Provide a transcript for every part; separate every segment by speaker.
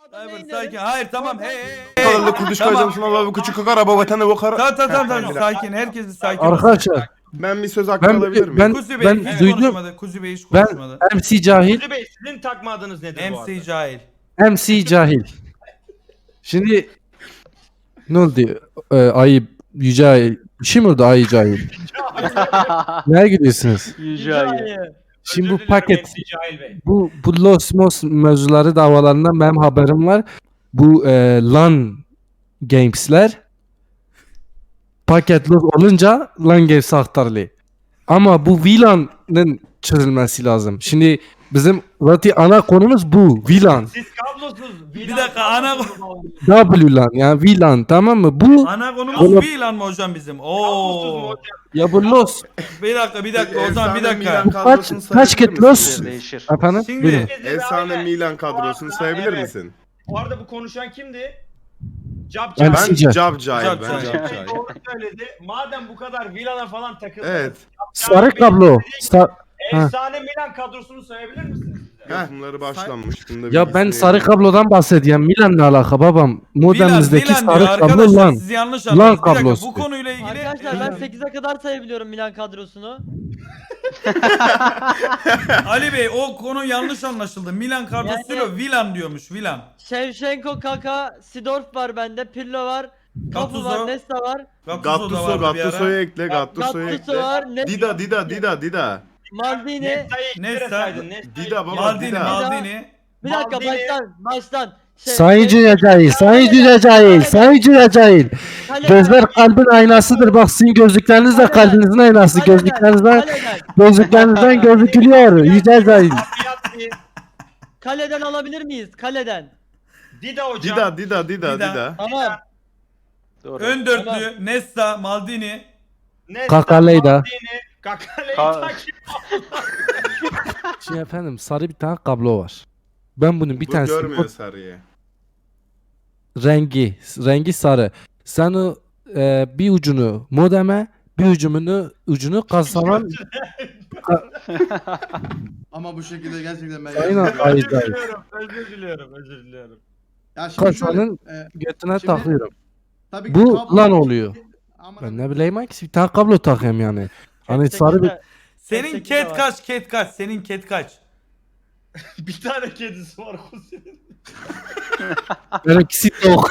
Speaker 1: Cyber sakin. Hayır tamam. Hey.
Speaker 2: Kadarlı kurduş koyacağım sana bir küçük kakar araba vatanı bu kara.
Speaker 1: Tamam. Sakin. Herkes bir sakin olsun.
Speaker 3: Arkadaşlar
Speaker 2: Ben bir söz hakkı alabilir miyim?
Speaker 1: Kuzi Bey
Speaker 3: ben
Speaker 1: hiç
Speaker 3: duydum.
Speaker 1: konuşmadı. Kuzi Bey hiç
Speaker 3: Ben
Speaker 1: konuşmadı.
Speaker 3: MC Cahil.
Speaker 4: Kuzi Bey sizin takma adınız nedir bu arada?
Speaker 1: MC cahil.
Speaker 3: MC Cahil. Şimdi ne oldu? Ayı Yüce Ayı. Bir şey mi oldu Ayı Cahil? Nereye gidiyorsunuz?
Speaker 5: Yüce ayı.
Speaker 3: Şimdi bu
Speaker 4: Özür diliyorum
Speaker 3: paket,
Speaker 4: MC Cahil Bey.
Speaker 3: bu Los Mos mevzuları davalarından benim haberim var. Bu LAN Games'ler paket Los olunca LAN Games aktarlı. Ama bu VLAN'ın çözülmesi lazım. Şimdi bizim zaten ana konumuz bu VLAN.
Speaker 4: Siz kablosuz.
Speaker 1: Bir dakika, ana-
Speaker 3: WLAN yani VLAN, tamam mı? Bu
Speaker 1: Ana konumuz
Speaker 3: Oğlum-
Speaker 1: bir lan mı hocam bizim?
Speaker 4: Kablosuz mu
Speaker 1: Oo.
Speaker 4: hocam?
Speaker 3: ya bu Los
Speaker 1: Bir dakika o zaman bir
Speaker 2: Efsane
Speaker 1: dakika.
Speaker 2: Milan
Speaker 3: kaç
Speaker 2: kadrosunu
Speaker 3: kaç
Speaker 2: sayabilir
Speaker 3: kit Los
Speaker 2: misiniz?
Speaker 5: Değişir.
Speaker 3: efendim?
Speaker 1: Şimdi-
Speaker 3: Buyurun.
Speaker 2: Efsane
Speaker 4: Aynen.
Speaker 2: Milan kadrosunu sayabilir
Speaker 4: Evet.
Speaker 2: misin?
Speaker 4: Bu arada bu konuşan kimdi? Cap
Speaker 3: Ben-
Speaker 4: Cap.
Speaker 2: Ben
Speaker 3: Sizce?
Speaker 2: Cab Cahil.
Speaker 1: Cab
Speaker 2: Ben
Speaker 1: Cahil.
Speaker 2: Cab Cahil.
Speaker 4: Doğru söyledi. Madem bu kadar Vila'na falan takıldınız.
Speaker 2: Evet.
Speaker 3: Sarı kablo.
Speaker 4: Efsane Milan kadrosunu sayabilir misiniz?
Speaker 2: Yapımları başlanmış. Bunda bir
Speaker 3: Ya ben
Speaker 2: ismi
Speaker 3: sarı
Speaker 2: yok.
Speaker 3: kablodan bahsediyorum. Milan ne alaka babam? Modemimizdeki
Speaker 1: Milan diyor
Speaker 3: sarı kablo
Speaker 1: arkadaşlar.
Speaker 3: LAN.
Speaker 1: Siz yanlış
Speaker 3: LAN
Speaker 1: anladınız. Bir dakika
Speaker 3: kablosu.
Speaker 1: bu konuyla ilgili.
Speaker 6: Arkadaşlar ben 8'e kadar sayabiliyorum Milan kadrosunu.
Speaker 1: Ali Bey o konu yanlış anlaşıldı. Milan kadrosuyla Milan diyormuş. Milan.
Speaker 6: Shevchenko, Kaka, Sidorf var bende, Pirlo var, Kapu
Speaker 1: Gattuso.
Speaker 6: var, Nesta var,
Speaker 1: Gattuso da vardı bir ara.
Speaker 2: Gattuso'yu ekle. Gattuso'yu
Speaker 6: Gattuso
Speaker 2: ekle.
Speaker 6: var,
Speaker 2: Dida.
Speaker 6: Maldini.
Speaker 4: Nesta'yı
Speaker 1: Nesta.
Speaker 4: ikilere saydın. Nesta'yı
Speaker 2: Dida baba
Speaker 1: Maldini,
Speaker 2: Dida.
Speaker 1: Maldini.
Speaker 6: Bir dakika
Speaker 4: Maldini.
Speaker 6: baştan.
Speaker 3: Sayın Cüce Cahil, Sayın Cüce Cahil, Sayın Cüce Cahil. Gözler kalbin aynasıdır. Bak sizin gözlükleriniz de kalbinizin aynası. Gözlüklerinizden gözükülüyor. Yüce Cahil.
Speaker 4: Piatti.
Speaker 6: Kaleden alabilir miyiz? Kaleden.
Speaker 4: Dida hocam.
Speaker 2: Dida.
Speaker 6: Tamam.
Speaker 5: Doğru.
Speaker 1: Ön dörtlü. Nesta, Maldini.
Speaker 4: Nesta,
Speaker 3: Kakaleyda.
Speaker 4: Maldini, Kakaleyda
Speaker 5: Ka-
Speaker 4: kim?
Speaker 3: Şimdi efendim sarı bir tane kablo var. Ben bunun bir
Speaker 2: Bu
Speaker 3: tanesi
Speaker 2: görmüyor sarıyı.
Speaker 3: rengi sarı. Sen o bir ucunu modeme, bir ucunu kasavan
Speaker 7: Ama bu şekilde gerçekten ben
Speaker 3: Sayın
Speaker 7: yapmıyorum.
Speaker 3: Ayı Cahil.
Speaker 4: Özür diliyorum.
Speaker 7: Ya şimdi şöyle,
Speaker 3: Kasanın götüne
Speaker 7: şimdi-
Speaker 3: takıyorum.
Speaker 7: tabii ki
Speaker 3: Bu
Speaker 7: kablo-
Speaker 3: lan oluyor.
Speaker 7: Ama
Speaker 3: Ben ne bileyim hangisi bir tane kablo takayım yani. Hani sarı bir
Speaker 1: Senin
Speaker 6: 8'de
Speaker 1: ket
Speaker 6: var.
Speaker 1: kaç? Ket kaç? Senin ket kaç?
Speaker 4: Bir tane kedisi var Kuzi'nin.
Speaker 3: benimkisi yok.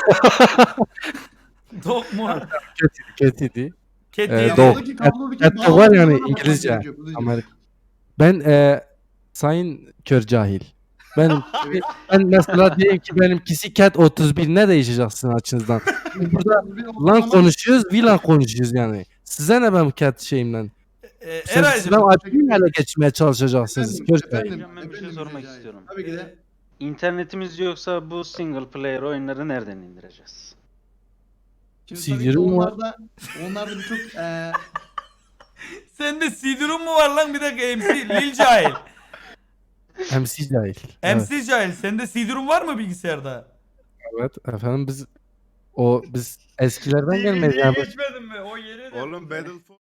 Speaker 1: Dok mu?
Speaker 3: Ketiydi.
Speaker 1: Ket
Speaker 3: Ee,
Speaker 1: değil.
Speaker 3: dok.
Speaker 7: buradaki kablo bir kere
Speaker 3: Et var
Speaker 7: bağlı
Speaker 3: yani
Speaker 7: olmadan
Speaker 3: İngilizce.
Speaker 7: gerekiyor, bu değil.
Speaker 3: Amerika. Ben sayın kör cahil. Ben mesela diyeyim ki benimkisi cat 31 ne değişeceksin açınızdan? Burada
Speaker 7: Bir
Speaker 3: lan
Speaker 7: ortalama-
Speaker 3: konuşuyoruz, VLAN konuşuyoruz yani. Size ne ben cat şeyimden? Siz
Speaker 1: Eray'cım.
Speaker 3: admin ele geçmeye çalışacaksınız.
Speaker 7: Efendim,
Speaker 3: Kör cahil.
Speaker 7: efendim,
Speaker 5: Ben bir şey
Speaker 7: efendim
Speaker 5: sormak
Speaker 7: Recai.
Speaker 5: istiyorum.
Speaker 7: Tabii ki de.
Speaker 5: İnternetimiz yoksa bu single player oyunları nereden indireceğiz?
Speaker 7: Şimdi
Speaker 3: CD-ROM
Speaker 7: tabii ki
Speaker 3: var.
Speaker 7: onlarda birçok
Speaker 1: Sende CD-ROM mu var lan bir dakika MC Lil Cahil.
Speaker 3: MC cahil. Evet,
Speaker 1: MC Cahil sende CD-ROM var mı bilgisayarda?
Speaker 3: evet efendim biz eskilerden gelmeyiz
Speaker 4: DVD'ye
Speaker 3: yani.
Speaker 4: geçmedin mi? O yeni de.
Speaker 2: Oğlum Battlefield